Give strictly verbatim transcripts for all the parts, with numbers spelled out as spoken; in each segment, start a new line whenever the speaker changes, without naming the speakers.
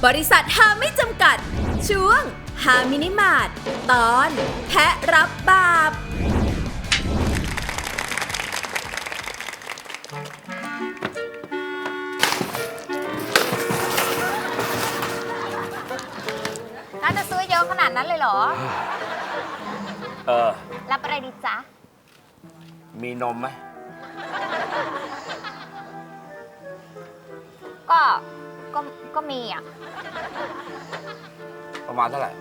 บริษัทฮาไม่จำกัดช่วงฮามินิมาร์ทตอนแพะรับบาป
น่าจะซื้อเยอะขนาดนั้นเลยเหรอ
เออ
รับอะไรดีจ๊ะ
มีนมไหม
ก็ ก็ ก็มีอ่ะ
ประมาณเท่าไหร่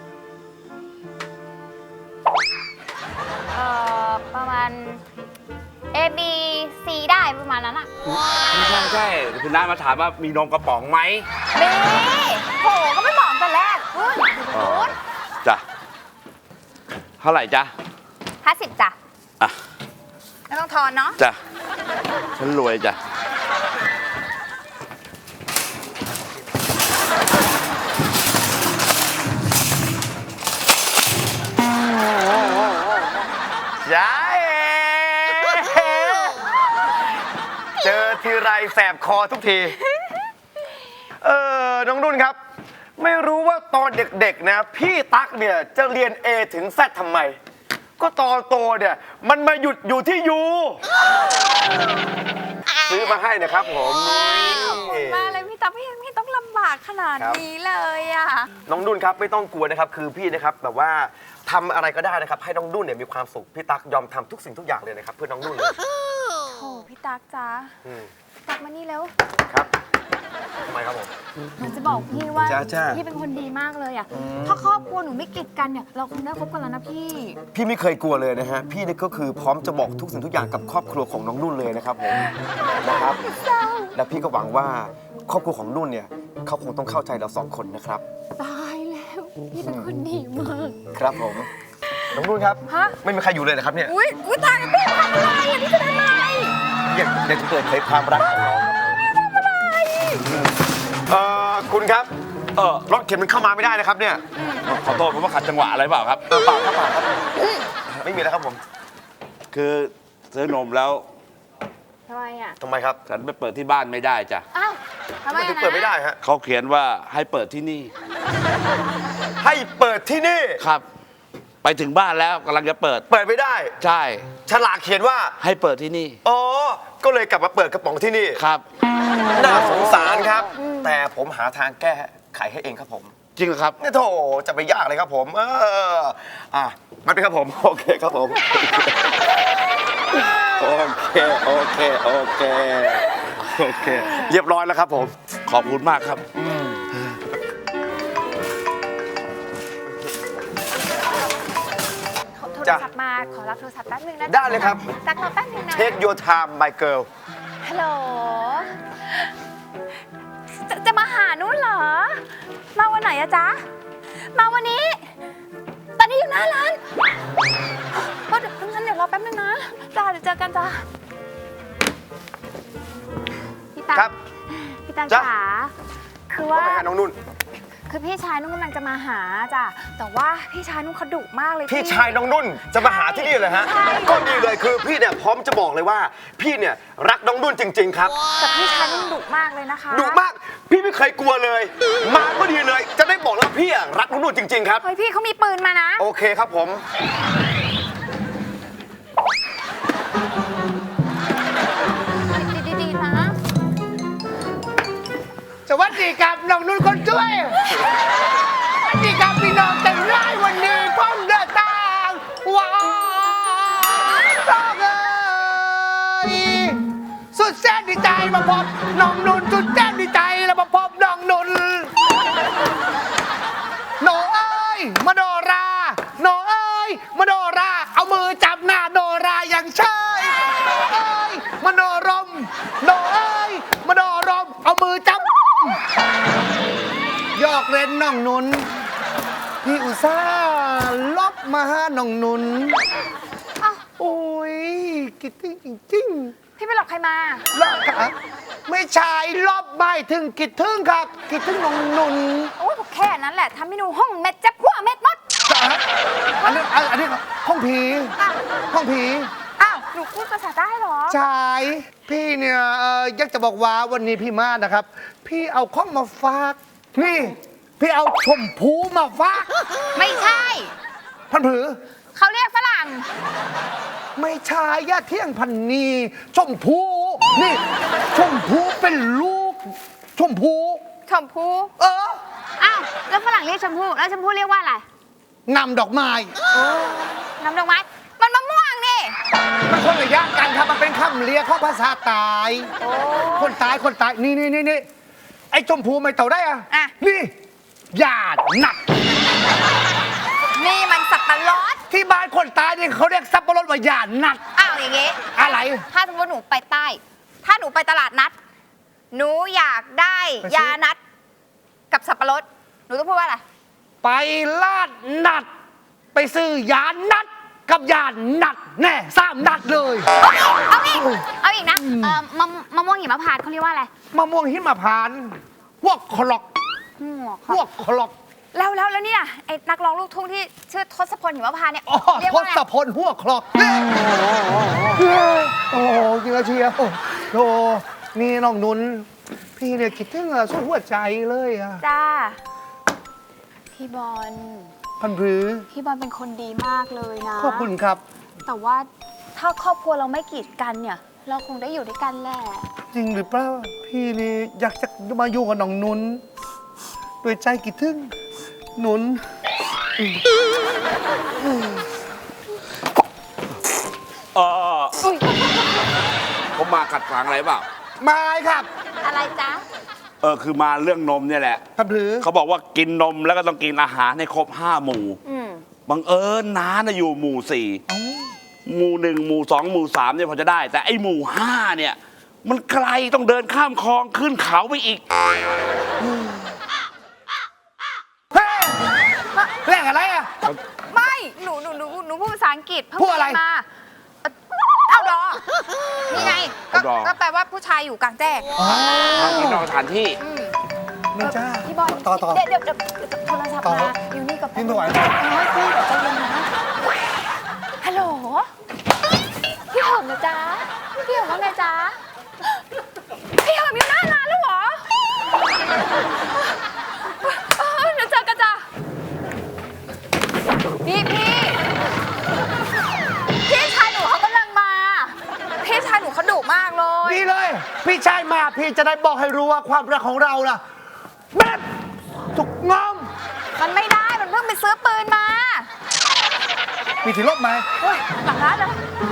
เอ่อ ประมาณ A B C ได้ประมาณนั้นอ่ะ
ไม่ใช่ไม่ใช่คุณน้ามาถามว่ามีนมกระป๋องไหม
มีโห ก็ไม่บอกแต่แรกเฮ้ยดูตรงนู้น
จ้ะเท่าไหร่จ๊ะ
ห้าสิบจ้ะ
อ่ะ
ไม่ต้องทอนเนาะ
จ้ะฉันรวยจ้ะ
ยายเจอทีไรแสบคอทุกที เออน้องนุ่นครับ ไม่รู้ว่าตอนเด็กๆนะพี่ตั๊กเนี่ยจะเรียน A ถึง Z ทำไม ก็ตอนโตเนี่ยมันมาหยุดอยู่ที่ U ซื้อมาให้นะครับผม
ขอบคุณมากเลยพี่ต๊อบพี่ไม่ต้องลำบากขนาดนี้เลยอ่ะ
น้องนุ่นครับไม่ต้องกลัวนะครับคือพี่นะครับแบบว่าทำอะไรก็ได้นะครับให้น้องนุ่นเนี่ยมีความสุขพี่ตั๊กยอมทำทุกสิ่งทุกอย่างเลยนะครับเพื่อน้องนุ่นเลย
โอ้พี่ตั๊กจ้า
อืม
ตั๊กมานี่แล้ว
ครับทำไมครับผม
หนูจะบอกพี่ว่า
จ้าจ้า
พี่เป็นคนดีมากเลยอ่ะ ถ้าครอบครัวหนูไม่กีดกันเนี่ยเราคงได้คบกันแล้วนะพี่
พี่ไม่เคยกลัวเลยนะฮะพี่นี่ก็คือพร้อมจะบอกทุกสิ่งทุกอย่างกับครอบครัวของน้องนุ่นเลยนะครับผมนะครับและพี่ก็หวังว่าครอบครัวของนุ่นเนี่ยเขาคงต้องเข้าใจเราสองคนนะครับ
ตายแล้ว พี่เป็นคนดีมาก
ครับผมน้องนุ่นครับ
ฮะ
ไม่มีใครอยู่เลยนะครับเนี่ย
อุ้ยอุ้ยตายแล้วพี่ทำอะไรอ่ะพี่จะทำอะไร
อยากอยากจะเปิดเผยความรักของน้องเอ่อคุณครับ
เออ
รถเข็นมันเข้ามาไม่ได้นะครับเนี่ย
ขอโทษผมว่าขัดจังหวะอะไรเปล่าครับ
เออเปล่าครับเปล่าครับไม่มีแล้วครับผม
คือซื้อนมแล้ว
ทำไมอ่ะ
ทำไมครับ
ฉันไปเปิดที่บ้านไม่ได้จ้ะ
อ้าวทำไม
มันถึ
อ่ะ
ง
นะ
เปิดไม่ได้ฮะ
เขาเขียนว่าให้เปิดที่นี่
ให้เปิดที่นี่
ครับ ไปถึงบ้านแล้วกำลังจะเปิด
เปิดไม่ได้
ใช่
ฉลากเขียนว่า
ให้เปิดที่นี่
อ๋อ ก็เลยกลับมาเปิดกระป๋องที่นี่
ครับ
น่าสงสารครับ แต่ผมหาทางแก้ไขให้เองครับผม
จริงเหรอครับ
นี่โถจะไปยากเลยครับผม เอออ่ะมันเป็นครับผม โอเคครับผม โอเค โอเค โอเค โอเค เรียบร้อยแล้วครับผม
ขอบคุณมากครับ
โทร
จ้ะ
ศัพท์มาขอรับโทรศัพท์แป๊บนึงนะ
ได้เลยครับ
ตักรอแป๊บนึงนะ
Take your time my girl
ฮัลโหลจะจะมาหานุ่นเหรอ มาวันไหนอะจ๊ะ มาวันนี้ ตอนนี้อยู่หน้าร้านก็เดี๋ยวงั้นเดี๋ยวรอแป๊บนึงนะจ้าเดี๋ยวเจอกันจ้าพี่ตัง
ครับ
พี่ตัง
จ๊ะ
จ๋าคือ
ว่า
ว่า
ไงฮะน้องนุ่น
คือพี่ชายนุ่นกำลังจะมาหาจ้ะแต่ว่าพี่ชายนุ่นเขาดุมากเลย
พี่ชายน้องนุ่นจะมาหาที่นี่เลยฮะ
ใช่
ก็ดีเลยคือพี่เนี่ยพร้อมจะบอกเลยว่า พี่เนี่ยรักน้องนุ่นจริง ๆ ครับ
แต่พี่ชายนุ่นดุมากเลยนะคะ
ดุมาก พี่ไม่เคยกลัวเลย มาก็ดีเลย จะได้บอกแล้วาพี่อะรักน้องนุ่นจริง ๆ ครับ
เฮ้ยพี่เขามีปืนมานะ
โอเคครับผม
ดีๆๆนะ
สวัสดีครับน้องนุ่นคนช่วยสวัสดีครับพี่น้องแต่งร้ายวันนี้พ้องเดินทางว้าวต้องเอ้ยสุดแสนดีใจมาพบน้องนุ่นสุดแสนดีใจแล้วมาพบน้องนุ่นโนเอ้ยมาโดราโนเอ้ยมาโดราเอามือจับหน้าโดราอย่างเชยโนเอ้ยมาโนรมโนเอ้ยมาโนรมเอามือจับยอกเล่นน้องนุนพี่อุตส่าห์ลบมาหาน้องนุน
อ้าว
โอ้ยคิดถึงจริง
พี่ไปหลอกใครมา
ๆลบค่ะไม่ใช่ลบไม่ถึงคิดถึงครับคิดถึงน้องนุน
โอ้ยแค่นั้นแหละทำให้หนูห้องเม็ดจะพัวเม็ดมด
จ้ะอันนี้อันนี้ห้องผี
อ้าว
ห้องผี
อ้าวหนูพูดภาษาใต้เหรอ
ใช่พี่เนี่ยเอ่ออยากจะบอกว่าวันนี้พี่มานะครับ พี่เอาข้องมาฝากนี่พี่เอาชมพูมาฝาก
ไม่ใช่
พันผือ
เขาเรียกฝรั่ง
ไม่ใช่ย่าเที่ยงพันนีชมพูนี่ชมพูเป็นลูก ชมพู
ชมพู
เออ
อ้าวแล้วฝรั่งเรียกชมพูแล้วชมพูเรียกว่าอะไร
งามดอกไม้
น้ำดอกไม้มันมะม่วงนี่
มันคนละอย่างกันครับมันเป็นคำเรียกของภาษาตาย คนตายคนตายนี่นี่นี่นี่ไอ้ชมพูไม่เต่าได้อะ
อ่ะ
นี่หยาดหนัก
นี่มันสับปะรด
ที่บ้านคนตายนี่เขาเรียกสับปะรดว่าหยาดหนัก
อ้าวอย่างงี้
อะไร
ถ้าสมมติหนูไปใต้ ถ้าหนูไปตลาดนัด หนูอยากได้
ไปซื้อ
ยานัด กับสับปะรด หนูต้องพูดว่าอะไร
ไปลาดนัด ไปซื้อยานัดกับยานัดแน่สามนัดเลย
เอาอีก เอาอีกนะเอ่อมะมะม่วงหิมพานต์เขาเรียกว่าอะไร
มะม่วงหิมพานต์พวกคลอก
หัว
พวกคลอก
แล้วแล้วแล้วเนี่ยไอ้นักร้องลูกทุ่งที่ชื่อทศพลหิมพานต์เนี่ย
อ๋อ
เรียก
ท
ว่าอะไร
ศพลหัวคลอกโอ้โหเยอะเชียวโอ้โหนี่น้องนุนพี่เนี่ยคิดถึงอะสุดหัวใจเลยอะ
จ้า พี่บอล
พันผือ
พี่บอลเป็นคนดีมากเลยนะ
ขอบคุณครับ
แต่ว่าถ้าครอบครัวเราไม่กีดกันเนี่ย เราคงได้อยู่ด้วยกันแหละ
จริงหรือเปล่าพี่นี่อยากจะมาอยู่กับน้องนุนด้วยใจคิดถึงนุน
เออผมมาขัดขวางอะไรเปล่า
ไม่ครับ
อะไรจ๊ะ
เออคือมาเรื่องนมเนี่ยแหละ
พันผือ
เขาบอกว่ากินนมแล้วก็ต้องกินอาหารให้ครบห้าหมู่
อืม
บังเอิญน้าน่ะอยู่หมู่สี่หมู่หนึ่งหมู่สองหมู่สามเนี่ยพอจะได้ แต่ไอ้หมู่ห้าเนี่ย มันไกลต้องเดินข้ามคลองขึ้นเขาไปอีก
เฮ้ยเรื่องอะไรอะ
ไม่ หนูหนูหนูหนูพูดภาษาอังกฤษเพิ่ง
พูดอะไร
เรียนมาเอาดอนี่ไงก็
outdoor
ก็แปลว่าผู้ชายอยู่กลางแจ้ง
ทางที่นอกสถานที่
อืม
นี่จ้า
พี่บอล
ต่อต่อ
เดี๋ยวเดี๋ยวเดี๋ยวโทรศัพท์
ต่อ
มาอยู่นี่กับ
พี่ไม่ไหว
เออพี่เดี๋ยวใจเย็นนะฮัลโหลพี่เหิมนะจ๊ะพี่เหิมว่าไงจ๊ะพี่เหิมอยู่หน้าร้านแล้วเหรอเออเดี๋ยวเจอกันจ้ะนี่พี่พี่ชายหนูเขากำลังมาพี่ชายหนูเขาดุมากเลย
ดีเลย พี่ชายมาพี่จะได้บอกให้รู้ว่าความรักของเราล่ะแบบถูกงอม
มันไม่ได้มันเพิ่งไปซื้อปืนมา
มีที่ลบไหม
เฮ้ยหลังร้านเลย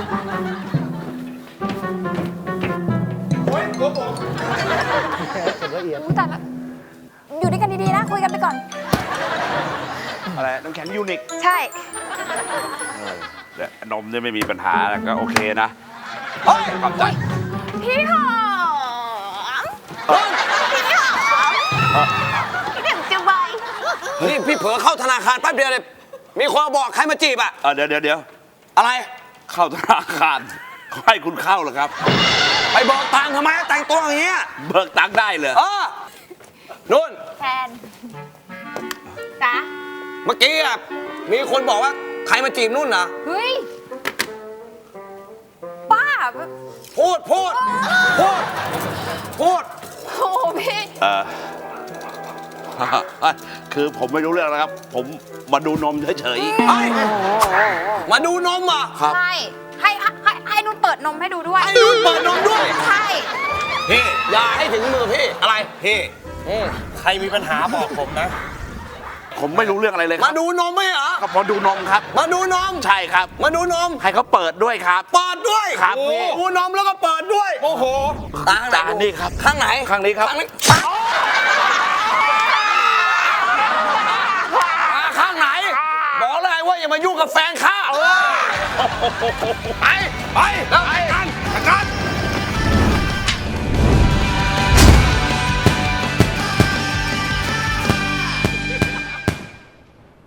โอ้ยตัวผม
อู้แต่ละอยู่ด้วยกันดีๆนะคุยกันไปก่อน
อะไรน้ำแข็งยูนิค
ใช่
แต่นมเนี่ยไม่มีปัญหาแล้วก็โอเคนะ
เฮ้ย
ขอบใจ
พี่หอมพี่หอมพี่เด็กจะไว
นี่พี่เผลอเข้าธนาคารแป๊บเดียวเลยมีคนมาบอกใครมาจีบอะ
เออเดี๋ยวเดี๋ยวเดี๋ยว
อะไร
เข้าธนาคารเขาให้คุณเข้าเหรอครับ
ไปบอกตังค์ทำไมแต่งตัวอย่างเงี้ย
เบิกตังค์ได้เลย
เออนุ่น
แทนจ๊ะ
เมื่อกี้อะมีคนบอกว่าใครมาจีบนุ่นนะ
เฮ้ยป้า
พูดพูดพูดพูด
โอ้โหพี่
เออ คือผมไม่รู้เรื่องนะครับ ผมมาดูนมเฉย
เฮ้ยมาดูนมอ่ะ
ๆครับ
ใช่ให้ให้ให้นุ่นเปิดนมให้ดูด้วย
ให้นุ่นเปิดนมด้วย
ใช่
พี่อย่าให้ถึงมือพี่อะไรพี่
ใครมีปัญหาบอกผมนะ
ผมไม่รู้เรื่องอะไรเลยค
มา
รับ
ดูนมไหมเหรอ
ก็พอดูนมครับ
มาดูนม
ใช่ครับ
มาดูนม
ให้เขาเปิดด้วยครับ
เปิดด้วย
ครับ
โอ้
พี่
ดูนมแล้วก็เปิดด้วย
โอ้โห
ตาข้างไหน
จานนี่ครับ
ข้างไหน
ข้างนี้ครับ
ข้างนี้ตาข้างไหน บอกเลยว่าอย่ามายุ่งกับแฟนข้าไปไปไป